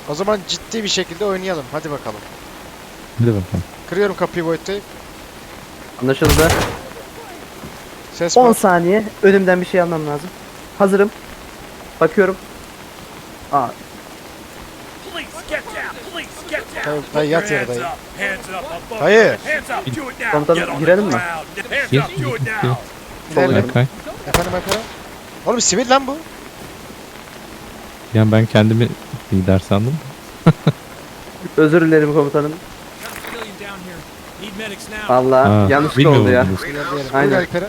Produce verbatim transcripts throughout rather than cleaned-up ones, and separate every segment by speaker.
Speaker 1: O zaman ciddi bir şekilde oynayalım. Hadi bakalım.
Speaker 2: Hadi bakalım.
Speaker 1: Kırıyorum kapıyı Void'tayım.
Speaker 3: Anlaşıldı.
Speaker 1: Ses
Speaker 3: on
Speaker 1: var.
Speaker 3: saniye. Önümden bir şey almam lazım. Hazırım. Bakıyorum. Aa,
Speaker 4: Police, get down! Police, get down!
Speaker 1: Dayı,
Speaker 4: Put
Speaker 1: dayı
Speaker 4: your
Speaker 1: yat yere
Speaker 4: hands
Speaker 1: dayı.
Speaker 4: up! Hands up above
Speaker 1: Dayı.
Speaker 4: your head. Hands up! Do it now!
Speaker 3: Komutanım,
Speaker 4: Get on the
Speaker 3: girelim mi?
Speaker 4: ground. Hands
Speaker 2: Gir,
Speaker 4: up! Do it
Speaker 2: gir,
Speaker 4: now!
Speaker 1: Gidelim.
Speaker 2: Berkay.
Speaker 1: Efendim efendim. Oğlum sivil lan bu.
Speaker 2: Yani ben kendimi lider sandım.
Speaker 3: özür dilerim komutanım.
Speaker 4: Civilian down here. Need medics now.
Speaker 3: Vallahi
Speaker 2: Ha,
Speaker 3: yanlışlık oldu ya.
Speaker 2: bilmiyordunuz.
Speaker 1: Aynen.
Speaker 3: Aynen.
Speaker 1: Alperen.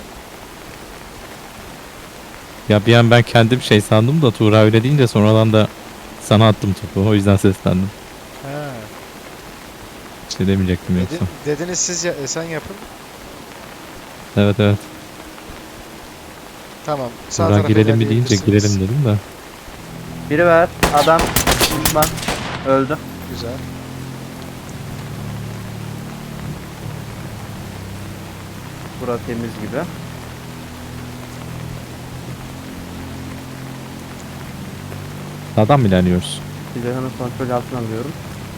Speaker 2: Ya bir an ben kendim şey sandım da Tuğra öyle deyince sonradan da sana attım topu. O yüzden seslendim.
Speaker 1: Ha.
Speaker 2: Bir şey demeyecektim
Speaker 1: Dedi,
Speaker 2: yoksa.
Speaker 1: dediniz siz ya, e, sen yapın.
Speaker 2: Evet evet.
Speaker 1: Tamam. Sağ
Speaker 2: Tuğra
Speaker 1: tarafa
Speaker 2: girelim mi deyince
Speaker 1: ilerleyebilirsiniz.
Speaker 2: girelim dedim de.
Speaker 3: Biri var. Adam. Düşman. Öldü.
Speaker 1: Güzel.
Speaker 3: Bura temiz gibi.
Speaker 2: Sağdan mı ilerliyoruz?
Speaker 3: Silahını kontrol altına alıyorum.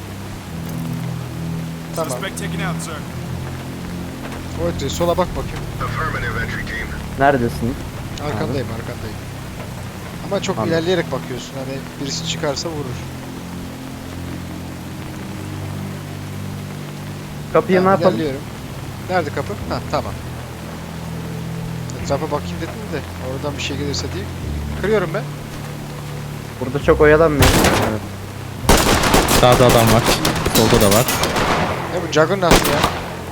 Speaker 1: Tamam.
Speaker 4: Suspect taken out, sir.
Speaker 1: Void sola bak bakayım.
Speaker 5: Affirmative entry team.
Speaker 3: Neredesin?
Speaker 1: Arkandayım arkandayım. Ama çok
Speaker 3: Anladım.
Speaker 1: ilerleyerek bakıyorsun. Hani birisi çıkarsa vurur.
Speaker 3: Kapıyı ne
Speaker 1: Tamam,
Speaker 3: yapalım?
Speaker 1: ilerliyorum. Nerede kapı? Ha tamam. Etrafa bakayım dedim de oradan bir şey gelirse diye. Kırıyorum ben.
Speaker 3: Burada çok oyalanmıyorum. Evet.
Speaker 2: Sağda adam var. Solda da var.
Speaker 1: Ne bu Juggernaut mu ya?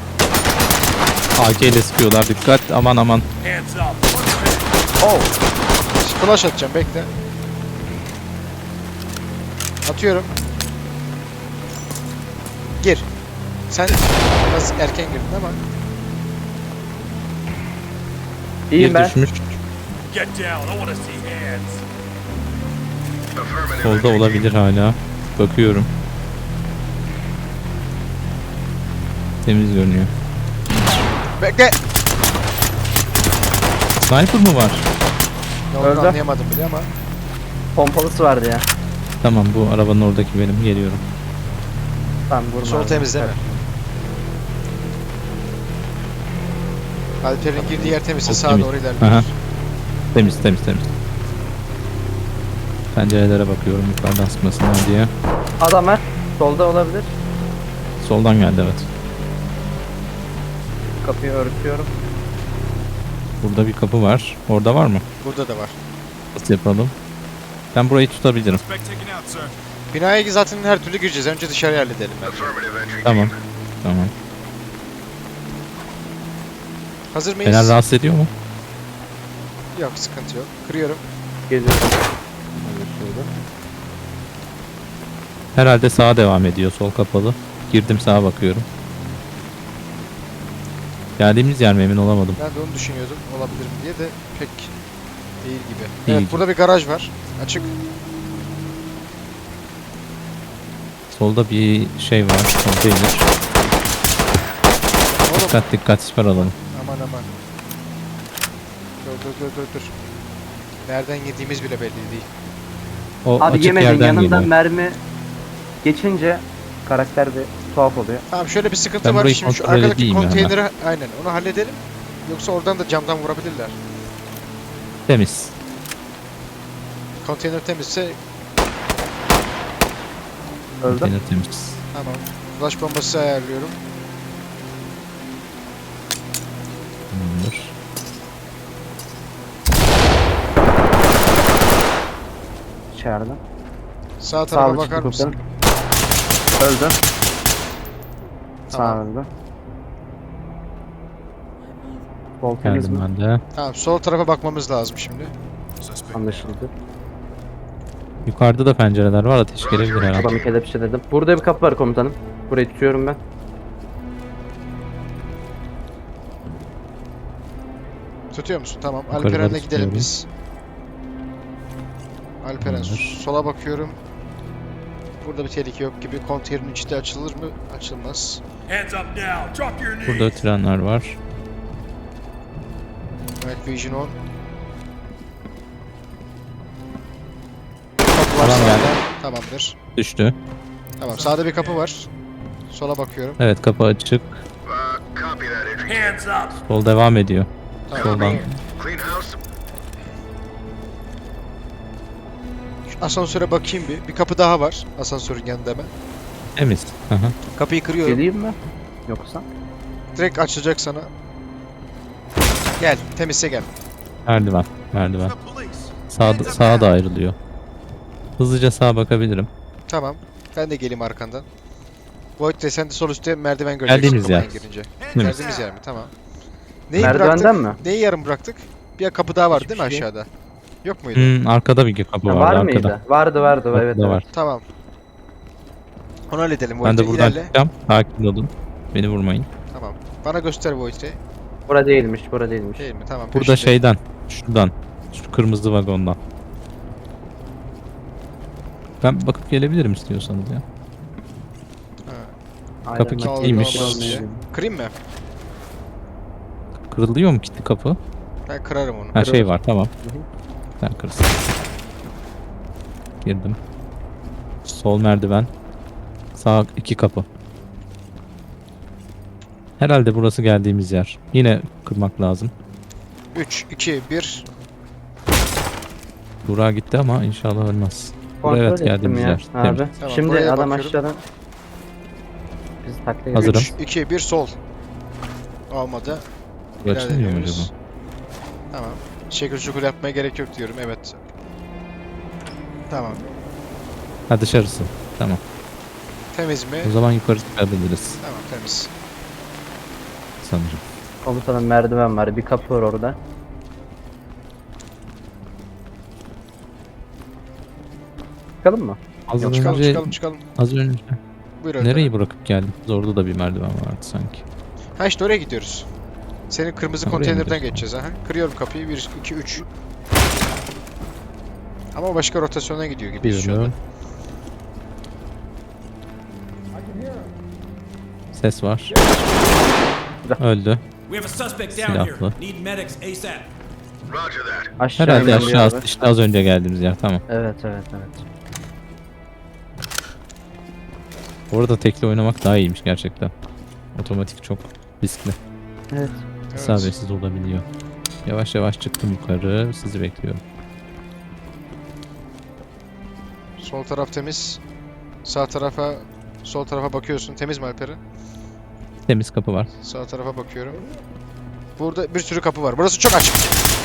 Speaker 2: A K ile sıkıyorlar. Dikkat. Aman aman.
Speaker 4: Hands up!
Speaker 3: Oh.
Speaker 1: Flash atacağım bekle. Atıyorum. Gir. Sen biraz erken girdin ama.
Speaker 3: İyiyim
Speaker 2: Bir
Speaker 3: ben.
Speaker 2: düşmüş.
Speaker 4: Get down! I want to see hands.
Speaker 5: Affirmative
Speaker 2: Solda
Speaker 5: entry
Speaker 2: olabilir hala. Bakıyorum. Temiz görünüyor.
Speaker 1: Bekle.
Speaker 2: Sniper mı var?
Speaker 1: Ne olduğunu
Speaker 3: Öldü.
Speaker 1: anlayamadım bile ama.
Speaker 3: Pompalısı vardı ya.
Speaker 2: Tamam bu arabanın oradaki benim. Geliyorum.
Speaker 3: Tamam vurma.
Speaker 1: Sol
Speaker 3: abi.
Speaker 1: temizleme. Alper'in girdiği yer temizse
Speaker 2: Sol
Speaker 1: sağa
Speaker 2: temiz.
Speaker 1: doğru
Speaker 2: Aha.
Speaker 1: ilerliyoruz.
Speaker 2: Temiz temiz temiz. Pencerelere bakıyorum yukarıdan sıkmasınlar diye.
Speaker 3: Adam var. Solda olabilir.
Speaker 2: Soldan geldi evet.
Speaker 3: Kapıyı örtüyorum.
Speaker 2: Burada bir kapı var. Orada var mı?
Speaker 1: Burada da var.
Speaker 2: Nasıl yapalım? Ben burayı tutabilirim.
Speaker 4: Suspect taken out, sir.
Speaker 1: Binaya zaten her türlü gireceğiz. Önce dışarı halledelim bence.
Speaker 5: Affirmative entry
Speaker 2: Tamam.
Speaker 5: team.
Speaker 2: Tamam.
Speaker 1: Hazır mıyız?
Speaker 2: Fener rahatsız ediyor mu?
Speaker 1: Yok sıkıntı yok. Kırıyorum.
Speaker 3: Geziyorum.
Speaker 2: Herhalde sağa devam ediyor. Sol kapalı. Girdim sağa bakıyorum. Geldiğimiz yer mi emin olamadım.
Speaker 1: Ben de onu düşünüyordum. Olabilir mi diye de pek değil gibi.
Speaker 2: Değil
Speaker 1: Evet
Speaker 2: gibi.
Speaker 1: burada bir garaj var. Açık.
Speaker 2: Solda bir şey var. Konteyner.
Speaker 1: Oğlum.
Speaker 2: Dikkat dikkat siper alalım.
Speaker 1: Aman aman. Dur dur dur dur dur. Nereden yediğimiz bile belli değil.
Speaker 2: O
Speaker 3: Abi
Speaker 2: açık
Speaker 3: yemedin
Speaker 2: yerden
Speaker 3: yanından
Speaker 2: geliyor.
Speaker 3: mermi geçince karakter bir tuhaf oluyor.
Speaker 1: Tamam şöyle bir sıkıntı
Speaker 2: Ben
Speaker 1: var.
Speaker 2: burayı
Speaker 1: Şimdi şu
Speaker 2: kontrol
Speaker 1: arkadaki
Speaker 2: edeyim ya
Speaker 1: konteyneri aynen onu halledelim. Yoksa oradan da camdan vurabilirler.
Speaker 2: Temiz.
Speaker 1: Konteyner temizse
Speaker 3: Öldü.
Speaker 2: Konteyner temiz.
Speaker 1: tamam. Flash bombası ayarlıyorum.
Speaker 2: Tamamdır.
Speaker 3: İçeride.
Speaker 1: Sağ
Speaker 3: Sağ
Speaker 1: tarafa
Speaker 3: ol,
Speaker 1: bakar
Speaker 3: çıktı
Speaker 1: mısın?
Speaker 3: komutanım. Öldü. Sağ
Speaker 1: Tamam.
Speaker 3: öldü. Sol temiz
Speaker 2: Geldim
Speaker 3: mi?
Speaker 2: ben de.
Speaker 1: Tamam sol tarafa bakmamız lazım şimdi.
Speaker 4: Suspect.
Speaker 3: Anlaşıldı.
Speaker 2: Yukarıda da pencereler var. Ateş gelebilir herhalde.
Speaker 3: Adamı kelepçeledim. Burada bir kapı var komutanım. Burayı tutuyorum ben.
Speaker 1: Tutuyor musun? Tamam.
Speaker 2: Yukarıda
Speaker 1: Alperen'le gidelim
Speaker 2: tutuyorum.
Speaker 1: biz. Alperen
Speaker 2: Tamamdır.
Speaker 1: sola bakıyorum. Burada bir tehlike yok gibi. Konteynerin içi de açılır mı? Açılmaz.
Speaker 4: Hands up now! Drop your knees!
Speaker 2: Burada trenler var.
Speaker 1: Evet Vision on.
Speaker 2: Adam geldi.
Speaker 1: Tamamdır.
Speaker 2: Düştü.
Speaker 1: Tamam, sağda bir kapı var. Sola bakıyorum.
Speaker 2: Evet, kapı açık.
Speaker 4: Hands up.
Speaker 2: Sol devam ediyor.
Speaker 1: Tamam.
Speaker 2: Soldan.
Speaker 1: Şu asansöre bakayım bir. Bir kapı daha var. Asansörün yanında hemen.
Speaker 2: Temiz. Hı hı.
Speaker 1: Kapıyı kırıyorum.
Speaker 3: Geleyim mi? Yoksa?
Speaker 1: Direkt açılacak sana. Gel. Temizse gel.
Speaker 2: Merdiven. Merdiven.
Speaker 4: The police.
Speaker 2: Sağda, sağa da ayrılıyor. Hızlıca sağa bakabilirim.
Speaker 1: Tamam. Ben de geleyim arkandan. Void Ray, sen de sol üstte merdiven göreceksin.
Speaker 2: Geldiğimiz yer.
Speaker 1: kapıdan girince.
Speaker 2: Değil mi?
Speaker 1: Geldiğimiz yer mi? Tamam. Neyi
Speaker 3: Merdivenden
Speaker 1: bıraktık?
Speaker 3: mi?
Speaker 1: Neyi yarım bıraktık? Bir kapı daha var değil mi
Speaker 3: Hiçbir şey.
Speaker 1: aşağıda? Yok muydu?
Speaker 2: Hmm, arkada bir kapı
Speaker 3: Ha,
Speaker 2: vardı.
Speaker 3: var
Speaker 2: arkada.
Speaker 3: mıydı? Vardı vardı
Speaker 2: Arkada
Speaker 3: evet. evet.
Speaker 2: var.
Speaker 1: Tamam. Onu halledelim Void
Speaker 2: Ben de
Speaker 1: Ray.
Speaker 2: buradan
Speaker 1: İlerle.
Speaker 2: çıkacağım. Sakin olun. Beni vurmayın.
Speaker 1: Tamam. Bana göster Void Ray.
Speaker 3: Bura değilmiş, bura değilmiş.
Speaker 1: Değil mi? Tamam.
Speaker 2: Burada
Speaker 1: peşinde.
Speaker 2: şeyden. Şuradan. Şu kırmızı vagondan. Ben bakıp gelebilirim istiyorsanız ya.
Speaker 1: Ha.
Speaker 3: Aynen,
Speaker 2: Kapı
Speaker 3: ben-
Speaker 2: kilitliymiş.
Speaker 1: Olmaz diye. Kırayım mı?
Speaker 2: Kırılıyor mu kilitli kapı?
Speaker 1: Ben kırarım onu.
Speaker 2: Ha şey var, tamam.
Speaker 3: Hı hı.
Speaker 2: Sen kırsın. Girdim. Sol merdiven. Sağ iki kapı. Herhalde burası geldiğimiz yer. Yine kırmak lazım.
Speaker 1: üç, iki, bir.
Speaker 2: Burak gitti ama inşallah ölmez.
Speaker 3: Kontrol
Speaker 2: evet,
Speaker 3: ettim
Speaker 2: geldiğimiz
Speaker 3: ya
Speaker 2: yer.
Speaker 3: abi.
Speaker 2: Temiz.
Speaker 1: Tamam,
Speaker 3: Şimdi
Speaker 1: buraya
Speaker 3: adam
Speaker 1: bakıyorum.
Speaker 3: aşağıdan bizi takla
Speaker 2: Hazırım.
Speaker 1: üç, iki, bir sol. Olmadı.
Speaker 2: Bu açılmıyor mu
Speaker 1: İlerliyoruz.
Speaker 2: acaba?
Speaker 1: Tamam. Şekil şukul yapmaya gerek yok diyorum. Evet. Tamam.
Speaker 2: Ha, dışarısı. Tamam.
Speaker 1: Temiz mi?
Speaker 2: O zaman yukarı çıkabiliriz
Speaker 1: Tamam, temiz.
Speaker 2: sanırım.
Speaker 3: Komutanın merdiven var, bir kapı var orada. Çıkalım mı?
Speaker 2: Az
Speaker 1: Yok, çıkalım,
Speaker 2: önce,
Speaker 1: çıkalım, çıkalım.
Speaker 2: az önce
Speaker 1: Buyur Önder.
Speaker 2: nereyi bırakıp geldik? Orada da bir merdiven vardı sanki.
Speaker 1: Ha işte oraya gidiyoruz. Senin kırmızı
Speaker 2: Ha, oraya
Speaker 1: konteynerden
Speaker 2: gidiyoruz.
Speaker 1: geçeceğiz. Aha. Kırıyorum kapıyı. bir, iki, üç. Ama başka rotasyona gidiyor gibi şu anda.
Speaker 2: Biliyorum. Ses var. Öldü.
Speaker 4: We have a suspect down
Speaker 2: Silahlı.
Speaker 4: here. Need medics ASAP.
Speaker 3: Aşağı
Speaker 2: Herhalde
Speaker 3: iniyor
Speaker 2: aşağı
Speaker 3: abi.
Speaker 2: işte az önce geldiğimiz yer, tamam.
Speaker 3: Evet evet evet.
Speaker 2: Orada tekli oynamak daha iyiymiş gerçekten. Otomatik çok riskli.
Speaker 3: Evet.
Speaker 1: Evet.
Speaker 2: İsabetsiz olabiliyor. Yavaş yavaş çıktım yukarı. Sizi bekliyorum.
Speaker 1: Sol taraf temiz. Sağ tarafa, sol tarafa bakıyorsun. Temiz mi Alperen?
Speaker 2: Temiz kapı var.
Speaker 1: Sağ tarafa bakıyorum. Burada bir sürü kapı var. Burası çok açık.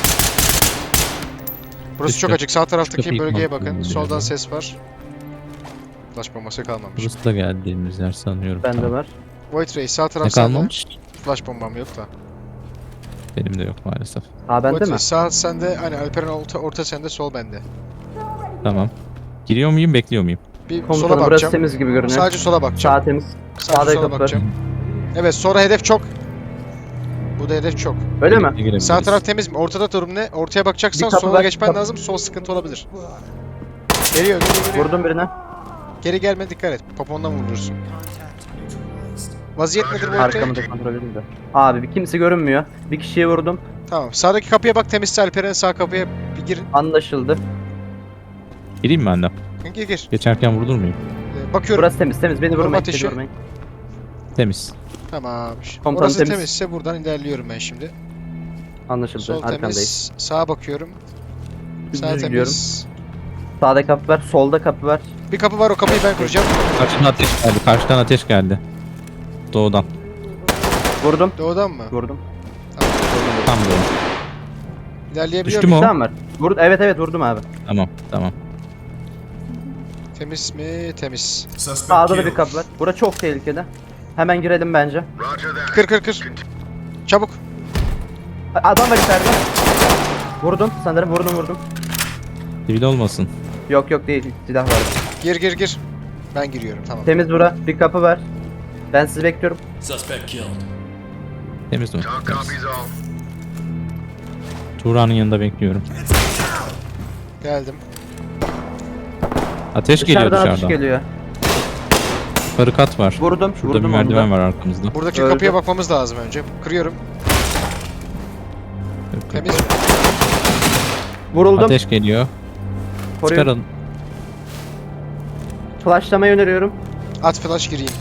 Speaker 1: Burası çok
Speaker 2: Üstte.
Speaker 1: açık. Sağ taraftaki
Speaker 2: kapıyı
Speaker 1: bölgeye
Speaker 2: kontrol
Speaker 1: bakın.
Speaker 2: ediyorum.
Speaker 1: Soldan ses var. Flash bombası kalmamış.
Speaker 2: Burası da geldiğimiz yer sanıyorum.
Speaker 3: Bende
Speaker 2: Tamam.
Speaker 3: var.
Speaker 1: Void Ray sağ taraf
Speaker 2: Ne
Speaker 1: sende.
Speaker 2: kalmamış?
Speaker 1: Flash bombam yok da.
Speaker 2: Benim de yok maalesef.
Speaker 3: Ha bende
Speaker 1: Void
Speaker 3: mi?
Speaker 1: Ray sağ sende. Hani Alperen orta, orta sende, sol bende.
Speaker 2: Tamam. Giriyor muyum, bekliyor muyum?
Speaker 1: Bir sola
Speaker 3: Komutanım burası
Speaker 1: bakacağım.
Speaker 3: temiz gibi görünüyor.
Speaker 1: Sadece sola bakacağım.
Speaker 3: Sağ temiz.
Speaker 1: Sadece
Speaker 3: sağda
Speaker 1: sola
Speaker 3: kapı var.
Speaker 1: bakacağım. Evet, sonra hedef çok. Bu da hedef çok.
Speaker 3: Öyle mi?
Speaker 2: Girebiliriz.
Speaker 1: Sağ taraf temiz mi? Ortada durum ne? Ortaya bakacaksan
Speaker 3: Bir kapı
Speaker 1: sola
Speaker 3: var,
Speaker 1: geçmen
Speaker 3: kapı.
Speaker 1: lazım. Sol sıkıntı olabilir. Geliyor, geliyor, geliyor.
Speaker 3: Vurdum birine.
Speaker 1: Geri gelme, dikkat et. Popondan vurursun. Vaziyet nedir bu ülke?
Speaker 3: Arkamı da kontrol edeyim de. Abi bir kimse görünmüyor. Bir kişiye vurdum.
Speaker 1: Tamam. Sağdaki kapıya bak, temizse Alperen, sağ kapıya bir girin.
Speaker 3: Anlaşıldı.
Speaker 2: Gireyim mi ben de?
Speaker 1: Gir gir.
Speaker 2: Geçerken vurulur muyum?
Speaker 1: Ee, bakıyorum.
Speaker 3: Burası temiz temiz. Beni
Speaker 1: Vurma
Speaker 3: vurmayın.
Speaker 1: ateşi.
Speaker 3: Beni vurmayın.
Speaker 2: Temiz.
Speaker 1: Tamam.
Speaker 3: Komutanım
Speaker 1: Orası
Speaker 3: temiz.
Speaker 1: temizse buradan ilerliyorum ben şimdi.
Speaker 3: Anlaşıldı.
Speaker 1: Sol
Speaker 3: Arkandayız.
Speaker 1: temiz. Sağa bakıyorum. Sağ
Speaker 3: Düz
Speaker 1: temiz.
Speaker 3: gidiyorum. Sağda kapı var. Solda kapı var.
Speaker 1: Bir kapı var, o kapıyı ben kuracağım.
Speaker 2: Karşıdan ateş geldi. Karşıdan ateş geldi. Doğudan.
Speaker 3: Vurdum.
Speaker 1: Doğudan mı?
Speaker 3: Vurdum.
Speaker 1: Tamam.
Speaker 2: Tam doğu.
Speaker 1: İlerleyebiliyor
Speaker 2: Düştü
Speaker 1: muyum?
Speaker 2: mü o?
Speaker 3: Tamam var. Vurdu. Evet evet vurdum abi.
Speaker 2: Tamam, tamam.
Speaker 1: Temiz mi? Temiz.
Speaker 4: Suspect
Speaker 3: Sağda da bir
Speaker 4: killed.
Speaker 3: kapı var. Bura çok tehlikeli. Hemen girelim bence.
Speaker 1: Kır kır kır. Çabuk.
Speaker 3: A- Adam var içeride. Vurdum sanırım vurdum vurdum.
Speaker 2: Sivil olmasın.
Speaker 3: Yok yok değil. Silah var.
Speaker 1: Gir gir gir. Ben giriyorum, tamam.
Speaker 3: Temiz bura. Bir kapı var. Ben sizi bekliyorum.
Speaker 4: Suspect killed.
Speaker 2: Temiz mi? Temiz. Tuğra'nın yanında bekliyorum.
Speaker 1: Geldim.
Speaker 2: Ateş geliyor
Speaker 3: Dışarıdan
Speaker 2: dışarıdan.
Speaker 3: atış geliyor.
Speaker 2: Yukarı kat var.
Speaker 3: Vurdum.
Speaker 2: Şurada
Speaker 3: vurdum
Speaker 2: bir merdiven
Speaker 3: onu da.
Speaker 2: var arkamızda.
Speaker 1: Buradaki
Speaker 3: Öldü.
Speaker 1: kapıya bakmamız lazım önce. Kırıyorum. Temiz mi?
Speaker 3: Vuruldum.
Speaker 2: Ateş geliyor.
Speaker 3: Koruyun.
Speaker 2: Çıkarın.
Speaker 3: Flashlamayı öneriyorum.
Speaker 1: At flash gireyim.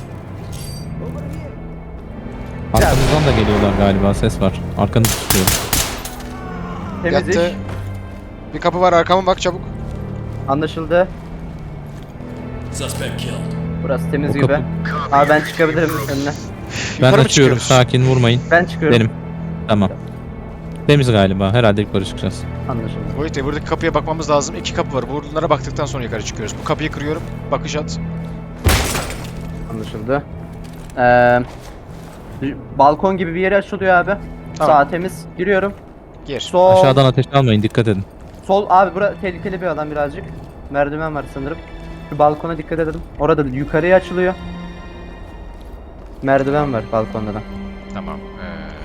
Speaker 2: Arkamızdan da geliyorlar galiba, ses var. Arkanı tutuyor.
Speaker 3: Temiz iş.
Speaker 1: Yattı. Bir kapı var, arkama bak çabuk.
Speaker 3: Anlaşıldı.
Speaker 4: Suspect killed.
Speaker 3: Burası temiz
Speaker 2: O
Speaker 3: gibi.
Speaker 2: kapı-
Speaker 3: Abi ben çıkabilirim önüne.
Speaker 2: Ben
Speaker 1: Yukarı mı
Speaker 2: açıyorum,
Speaker 1: çıkıyoruz?
Speaker 2: sakin vurmayın.
Speaker 3: Ben çıkıyorum.
Speaker 2: Benim. Tamam. Temiz galiba, herhalde yukarı çıkacağız.
Speaker 3: Anlaşıldı.
Speaker 1: Boyut Bey, buradaki kapıya bakmamız lazım. İki kapı var. Bunlara baktıktan sonra yukarı çıkıyoruz. Bu kapıyı kırıyorum. Bakış at.
Speaker 3: Anlaşıldı. Ee, balkon gibi bir yere açılıyor abi.
Speaker 1: Tamam.
Speaker 3: Sağ temiz. Giriyorum.
Speaker 1: Gir.
Speaker 3: Sol.
Speaker 2: Aşağıdan ateş almayın, dikkat edin.
Speaker 3: Sol abi bura tehlikeli bir alan birazcık. Merdiven var sanırım. Şu balkona dikkat edelim. Orada yukarıya açılıyor. Merdiven var balkonda da.
Speaker 1: Tamam. Ee...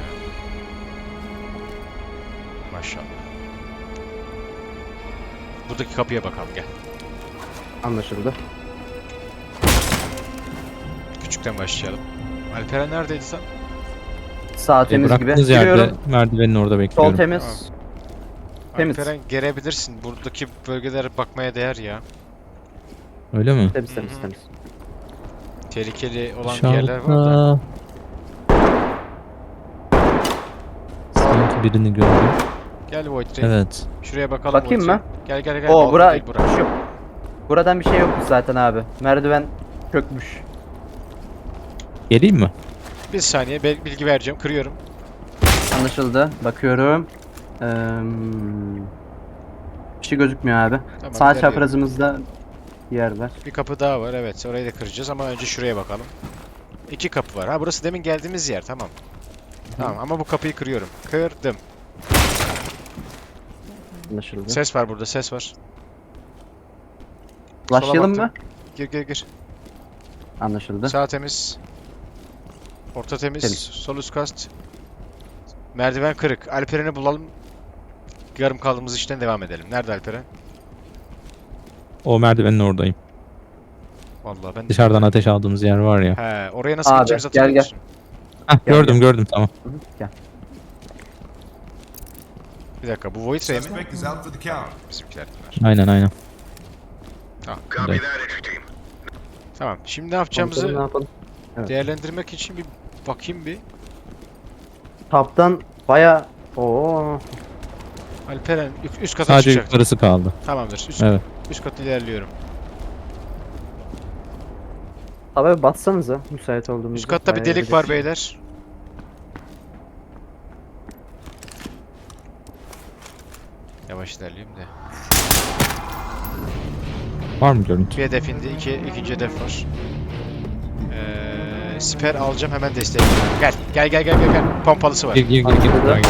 Speaker 1: Maşallah. Buradaki kapıya bakalım, gel.
Speaker 3: Anlaşıldı.
Speaker 1: Küçükten başlayalım. Alperen neredeydi sen?
Speaker 3: Sağ
Speaker 2: E,
Speaker 3: temiz gibi.
Speaker 2: bıraktığınız yerde
Speaker 3: Giriyorum.
Speaker 2: merdivenin orada bekliyorum.
Speaker 3: Sol temiz.
Speaker 1: Tamam.
Speaker 3: Temiz.
Speaker 1: Alperen gelebilirsin. Buradaki bölgelere bakmaya değer ya.
Speaker 2: Öyle mi?
Speaker 3: Temiz temiz
Speaker 1: Hı hı.
Speaker 3: temiz.
Speaker 1: Tehlikeli olan bir yerler var da.
Speaker 2: Dışarıda. Sanki birini gördüm.
Speaker 1: Gel Void Ray.
Speaker 2: Evet.
Speaker 1: Şuraya bakalım.
Speaker 3: Bakayım
Speaker 1: Void Ray.
Speaker 3: mı?
Speaker 1: Gel gel gel.
Speaker 3: O
Speaker 1: balkon
Speaker 3: bura
Speaker 1: değil bura.
Speaker 3: şu. Buradan bir şey yokmuş zaten abi. Merdiven çökmüş.
Speaker 2: Geleyim mi?
Speaker 1: Bir saniye ben bilgi vereceğim. Kırıyorum.
Speaker 3: Anlaşıldı. Bakıyorum. Ee, bir şey gözükmüyor abi.
Speaker 1: Tamam,
Speaker 3: Sağ
Speaker 1: ilerliyorum.
Speaker 3: çaprazımızda bir yer var.
Speaker 1: Bir kapı daha var, evet. Orayı da kıracağız ama önce şuraya bakalım. İki kapı var. Ha, burası demin geldiğimiz yer, tamam. Tamam ama bu kapıyı kırıyorum. Kırdım.
Speaker 3: Anlaşıldı.
Speaker 1: Ses var burada, ses var.
Speaker 3: Başlayalım
Speaker 1: sola
Speaker 3: mı?
Speaker 1: Gir gir gir.
Speaker 3: Anlaşıldı.
Speaker 1: Sağ temiz. Orta temiz.
Speaker 3: Temiz.
Speaker 1: Sol üst kast. Merdiven kırık. Alperen'i bulalım. Yarım kaldığımız işten devam edelim. Nerede Alperen?
Speaker 2: O merdivenin oradayım.
Speaker 1: Vallahi ben...
Speaker 2: Dışarıdan ateş aldığımız yer var ya.
Speaker 1: He, oraya nasıl
Speaker 3: Abi,
Speaker 1: gideceğimizi
Speaker 3: gel,
Speaker 1: hatırlıyor
Speaker 3: gel.
Speaker 1: musun?
Speaker 2: Hah,
Speaker 3: Gel,
Speaker 2: gördüm
Speaker 3: gel.
Speaker 2: gördüm tamam.
Speaker 3: Hı hı, Gel.
Speaker 1: Bir dakika, bu Void Ray mi?
Speaker 5: Suspect is out for the count.
Speaker 1: Bizimkiler bunlar.
Speaker 2: Aynen aynen.
Speaker 1: Tamam.
Speaker 2: Evet.
Speaker 1: Tamam. Şimdi ne yapacağımızı
Speaker 3: Komutanım, ne yapalım? Evet.
Speaker 1: değerlendirmek için bir bakayım bir.
Speaker 3: Taptan baya Oo.
Speaker 1: Alperen üst, üst kata
Speaker 2: Sadece
Speaker 1: çıkacak.
Speaker 2: yukarısı kaldı.
Speaker 1: Tamamdır. Üst,
Speaker 2: Evet.
Speaker 1: üst kata ilerliyorum.
Speaker 3: Abi batsanıza müsait olduğumuzda.
Speaker 1: Üst katta bir
Speaker 3: Bayağı
Speaker 1: delik var
Speaker 3: gidelim.
Speaker 1: beyler. Yavaş ilerleyeyim de.
Speaker 2: Var mı görüntü?
Speaker 1: Bir hedef indi. iki, ikinci hedef var. Ee, siper alacağım, hemen destek. Gel. Gel gel gel gel. gel. Pompalısı var.
Speaker 2: Gir gir gir gir.
Speaker 3: Anladım.
Speaker 2: Buraya gir.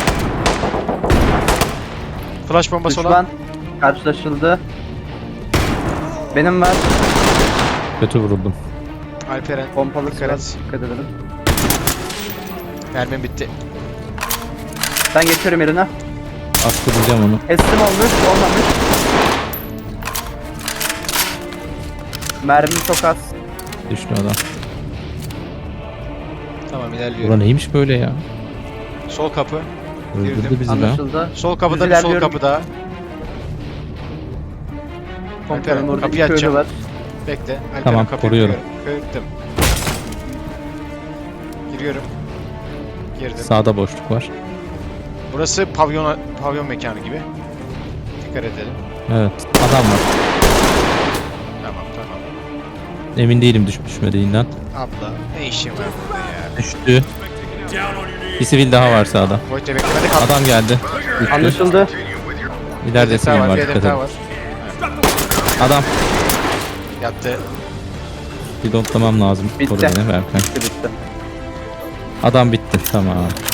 Speaker 1: Flash bombası olan.
Speaker 3: Düşman karşılaşıldı. Benim var.
Speaker 2: Kötü vuruldum.
Speaker 1: Alperen.
Speaker 3: Pompalı
Speaker 1: Dikkat
Speaker 3: var.
Speaker 1: et.
Speaker 3: Dikkat edelim.
Speaker 1: Mermim bitti.
Speaker 3: Ben geçiyorum yerine.
Speaker 2: Attıracağım onu.
Speaker 3: Teslim olmuş, olmamış. Mermi çok az.
Speaker 2: Düştü adam.
Speaker 1: Tamam,
Speaker 2: Bura
Speaker 1: ilerliyorum.
Speaker 2: neymiş böyle ya?
Speaker 1: Sol kapı. Girdim.
Speaker 2: Öldürdü bizi be.
Speaker 3: Anlaşıldı.
Speaker 1: Sol kapıda
Speaker 3: Düz
Speaker 1: bir sol
Speaker 3: ilerliyorum.
Speaker 1: kapı daha.
Speaker 3: Komutanım
Speaker 1: Alperen,
Speaker 3: orada
Speaker 1: kapıyı
Speaker 3: iki ölü
Speaker 1: açacağım.
Speaker 3: var.
Speaker 1: Bekle. Alperen,
Speaker 2: Tamam,
Speaker 1: kapıyı
Speaker 2: koruyorum.
Speaker 1: kırıyorum. Kırdım. Giriyorum. Girdim.
Speaker 2: Sağda boşluk var.
Speaker 1: Burası pavyon pavyon mekanı gibi. Dikkat edelim.
Speaker 2: Evet. Adam var.
Speaker 1: Tamam tamam.
Speaker 2: Emin değilim düşüp düşmediğinden.
Speaker 1: Abla ne işin var burada ya?
Speaker 2: Düştü.
Speaker 4: Down on your knees.
Speaker 2: Bir sivil daha var sağda.
Speaker 1: Void'e beklemede kaldı.
Speaker 2: Adam geldi. Düştü.
Speaker 3: Anlaşıldı.
Speaker 2: İleride
Speaker 1: Bir
Speaker 2: sivil
Speaker 1: hedef daha
Speaker 2: var.
Speaker 1: bir
Speaker 2: Dikkat
Speaker 1: hedef daha
Speaker 2: edin.
Speaker 1: var.
Speaker 2: Adam.
Speaker 1: Yattı.
Speaker 2: Pilotlamam lazım.
Speaker 3: Bitti.
Speaker 2: Koru beni Berkay.
Speaker 3: Bitti bitti.
Speaker 2: Adam bitti. Tamam.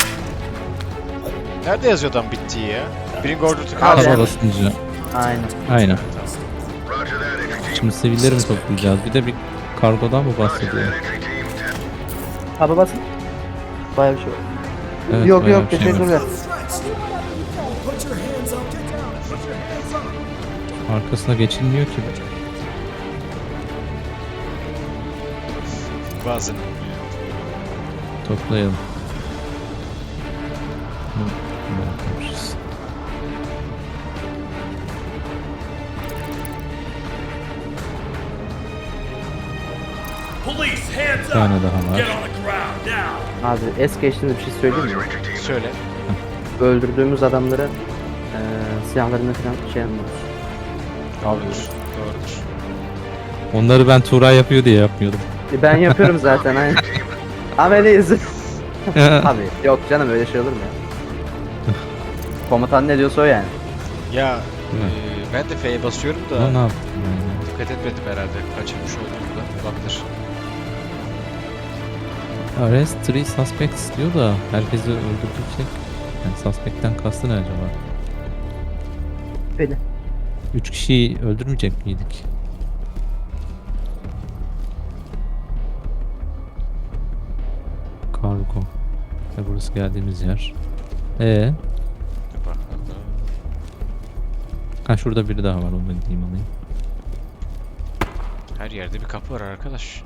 Speaker 1: Nerede yazıyor adam bittiği ya? Birinci ordu
Speaker 3: Abi.
Speaker 1: kaldı.
Speaker 2: Hava basıncı.
Speaker 3: Aynen.
Speaker 2: Aynen. Şimdi sivilleri mi toplayacağız? Bir de bir kargodan mı bahsediyor?
Speaker 3: Abi basın. Baya bir şey var.
Speaker 2: Evet,
Speaker 3: yok
Speaker 2: bayağı
Speaker 3: yok
Speaker 2: bir şey var.
Speaker 3: teşekkürler.
Speaker 2: Arkasına geçilmiyor ki.
Speaker 1: Bazen.
Speaker 2: Toplayalım. Hı, bırakmışız.
Speaker 4: Police, hands
Speaker 2: Bir tane
Speaker 4: up.
Speaker 2: daha
Speaker 4: Get
Speaker 2: var.
Speaker 4: on the ground now.
Speaker 3: Abi es geçtiğinde bir şey söyleyeyim mi?
Speaker 1: Söyle.
Speaker 3: Öldürdüğümüz adamları eee silahlarını falan şey yapmıyoruz.
Speaker 1: Doğrudur. Doğrudur.
Speaker 2: Onları ben Tuğray yapıyor diye yapmıyordum.
Speaker 3: E, Ben yapıyorum zaten aynen. Ameliyiz. Abi yok canım öyle şey olur mu ya? Komutan ne diyorsa o yani.
Speaker 1: Ya
Speaker 2: Değil mi?
Speaker 1: e, ben de F'ye basıyorum da
Speaker 2: Ama ne yaptım yani?
Speaker 1: dikkat etmedim herhalde. Kaçırmış olduğumda. Olabilir.
Speaker 2: Arrest three suspects diyor da herkesi öldürecek. Yani suspect'ten kastı ne acaba?
Speaker 3: Beni.
Speaker 2: Üç kişiyi öldürmeyecek miydik? Kargo. Ve burası geldiğimiz yer. Ee,
Speaker 1: Dur bakalım.
Speaker 2: ha şurada biri daha var, onu da gideyim alayım.
Speaker 1: Her yerde bir kapı var arkadaş.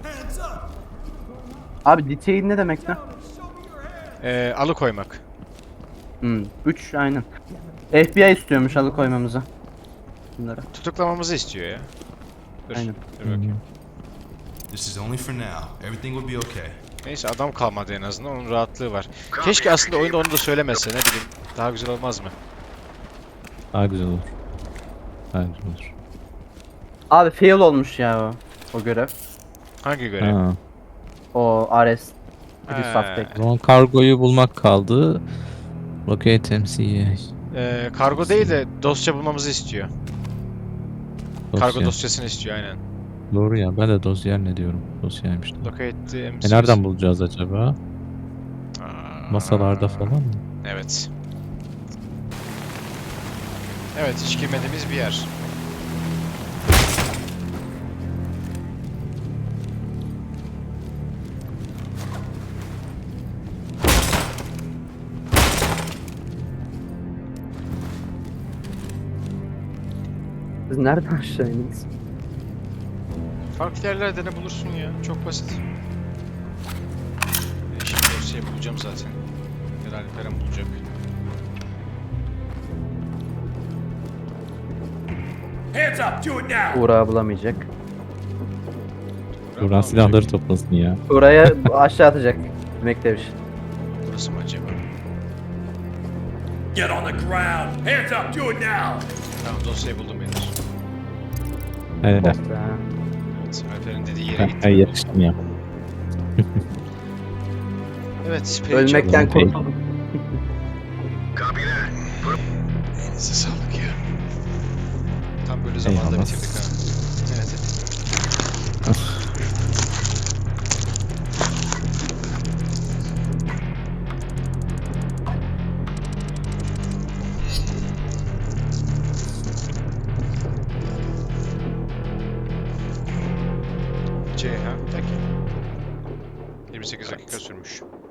Speaker 3: Abi detain ne demek lan?
Speaker 1: Ee, alıkoymak.
Speaker 3: Hmm. üç aynen. F B I istiyormuş alıkoymamızı. Bunları.
Speaker 1: Tutuklamamızı istiyor ya. Dur.
Speaker 3: Aynen.
Speaker 1: Dur bakayım.
Speaker 5: This is only for now. Everything will be okay.
Speaker 1: Neyse adam kalmadı en azından. Onun rahatlığı var. Keşke aslında oyunda onu da söylemese. Ne bileyim. Daha güzel olmaz mı?
Speaker 2: Daha güzel olur. Daha güzel olur.
Speaker 3: Abi fail olmuş ya o. O görev.
Speaker 1: Hangi görev?
Speaker 2: Ha.
Speaker 3: O arrest.
Speaker 1: He.
Speaker 3: Bir suspect.
Speaker 2: O zaman kargoyu bulmak kaldı. Locate M C A.
Speaker 1: Ee, kargo değil de dosya bulmamızı istiyor. Kargo
Speaker 2: Dosya.
Speaker 1: dosyasını istiyor aynen.
Speaker 2: Doğru ya, ben de dosya ne diyorum. Dosyaymış.
Speaker 1: Locate the M
Speaker 2: E
Speaker 1: C.
Speaker 2: nereden bulacağız acaba?
Speaker 1: Aa,
Speaker 2: Masalarda falan mı?
Speaker 1: Evet. Evet, hiç girmediğimiz bir yer.
Speaker 3: Siz nereden aşağı indiniz?
Speaker 1: Farklı yerlerde ne bulursun ya? Çok basit. E şimdi dosyayı bulacağım zaten. Herhalde Peren bulacak.
Speaker 4: Hands up. Do it now.
Speaker 3: Uğrağı bulamayacak.
Speaker 1: Burak
Speaker 2: Buran
Speaker 1: mı
Speaker 2: silahları
Speaker 1: bulacak?
Speaker 2: toplasın ya.
Speaker 3: Uğraya aşağı atacak. Demektemiş.
Speaker 1: Burası mı acaba?
Speaker 4: Get on the ground. Hands up. Do it now.
Speaker 1: Tamam, dosyayı buldum beyler.
Speaker 2: Evet.
Speaker 3: Ha.
Speaker 1: Evet, Alper'in dediği yere
Speaker 2: Ben,
Speaker 1: gittim.
Speaker 2: ben yetiştim ya.
Speaker 1: Evet, peki.
Speaker 3: Ölmekten
Speaker 2: Okey.
Speaker 3: kurtuldum.
Speaker 1: Elinize sağlık ya. Tam böyle zamanda
Speaker 2: Eyvallah.
Speaker 1: bitirdik ha. Evet. C ha, peki. yirmi sekiz dakika sürmüş.